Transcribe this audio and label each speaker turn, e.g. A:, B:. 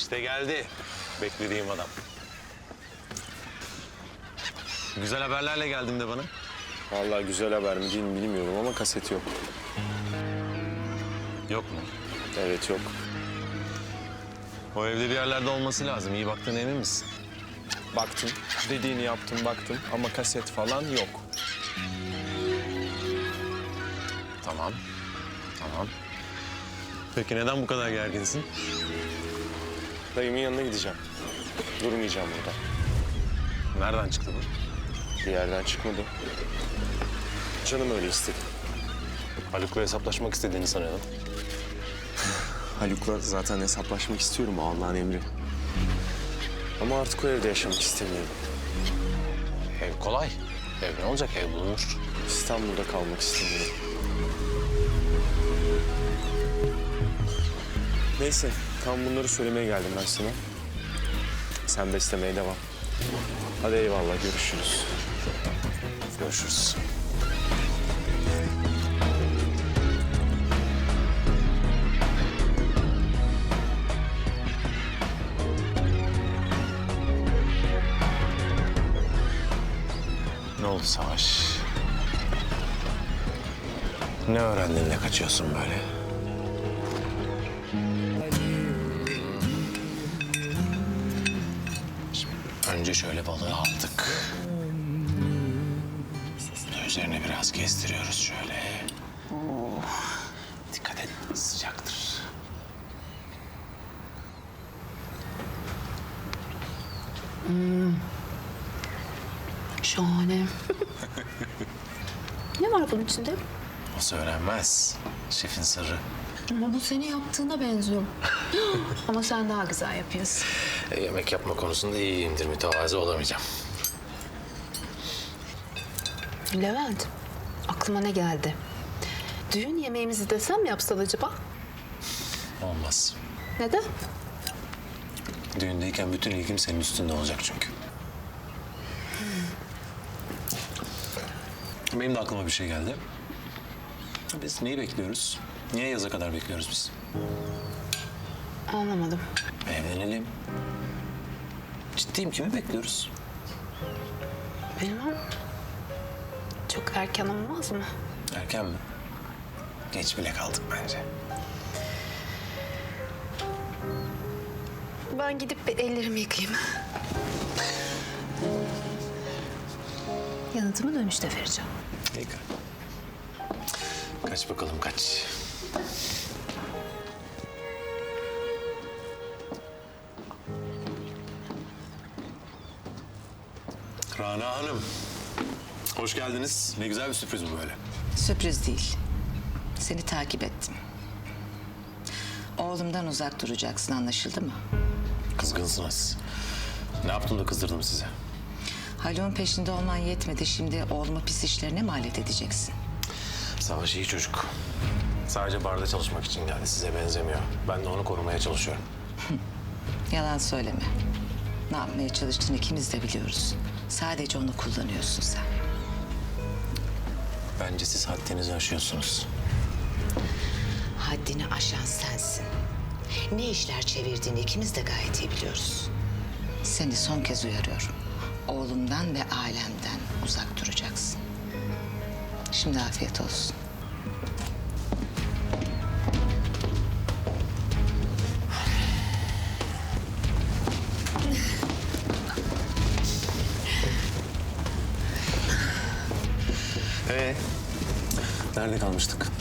A: İşte geldi. Beklediğim adam. Güzel haberlerle geldin de bana.
B: Vallahi güzel haber mi değil mi bilmiyorum ama kaset yok.
A: Yok mu?
B: Evet yok.
A: O evde bir yerlerde olması lazım. İyi baktığına emin misin?
B: Baktım, dediğini yaptım baktım ama kaset falan yok.
A: Tamam. Tamam. Peki neden bu kadar gerginsin?
B: Dayımın yanına gideceğim. Durmayacağım burada.
A: Nereden çıktı bu?
B: Bir yerden çıkmadı. Canım öyle istedi.
A: Haluk'la hesaplaşmak istediğini sanıyordum.
B: Haluk'la zaten hesaplaşmak istiyorum, o Allah'ın emri. Ama artık o evde yaşamak istemiyorum.
A: Ev kolay. Ev ne olacak? Ev bulunur.
B: İstanbul'da kalmak istemiyorum. Neyse, tam bunları söylemeye geldim ben sana. Sen beslemeye devam. Hadi eyvallah, görüşürüz.
A: Görüşürüz. Ne oldu Savaş? Ne öğrendin de kaçıyorsun böyle? Şimdi önce şöyle balığı aldık. Sosunu üzerine biraz gezdiriyoruz şöyle. Dikkat et, sıcaktır.
C: Şahane. Ne var bunun içinde?
A: O söylenmez. Şefin sırrı.
C: Ama bu senin yaptığına benziyor. Ama sen daha güzel yapıyorsun.
A: Yemek yapma konusunda iyiyimdir, mütevazı olamayacağım.
C: Levent, aklıma ne geldi? Düğün yemeğimizi desem mi yapsan acaba?
A: Olmaz.
C: Neden?
A: Düğündeyken bütün ilgim senin üstünde olacak çünkü. Benim de aklıma bir şey geldi. Biz neyi bekliyoruz? Niye yaza kadar bekliyoruz biz?
C: Anlamadım.
A: Evlenelim. Ciddiyim, kimi bekliyoruz?
C: Bilmem. Çok erken olmaz mı?
A: Erken mi? Geç bile kaldık bence.
C: Ben gidip bir ellerimi yıkayayım. Yanıtımı dönüşte vereceğim.
A: İyi. Kaç bakalım kaç. Rana Hanım. Hoş geldiniz. Ne güzel bir sürpriz bu böyle.
D: Sürpriz değil. Seni takip ettim. Oğlumdan uzak duracaksın, anlaşıldı mı?
A: Kızgınsınız. Ne yaptım da kızdırdım sizi?
D: Haluk'un peşinde olman yetmedi. Şimdi oğlumu pis işlerine mi alet edeceksin?
A: Savaş iyi çocuk. Sadece barda çalışmak için geldi. Size benzemiyor. Ben de onu korumaya çalışıyorum.
D: Yalan söyleme. Ne yapmaya çalıştığını ikimiz de biliyoruz. Sadece onu kullanıyorsun sen.
A: Bence siz haddinizi aşıyorsunuz.
D: Haddini aşan sensin. Ne işler çevirdiğini ikimiz de gayet iyi biliyoruz. Seni son kez uyarıyorum. Oğlumdan ve ailemden uzak duracaksın. Şimdi afiyet olsun.
A: Nerede kalmıştık?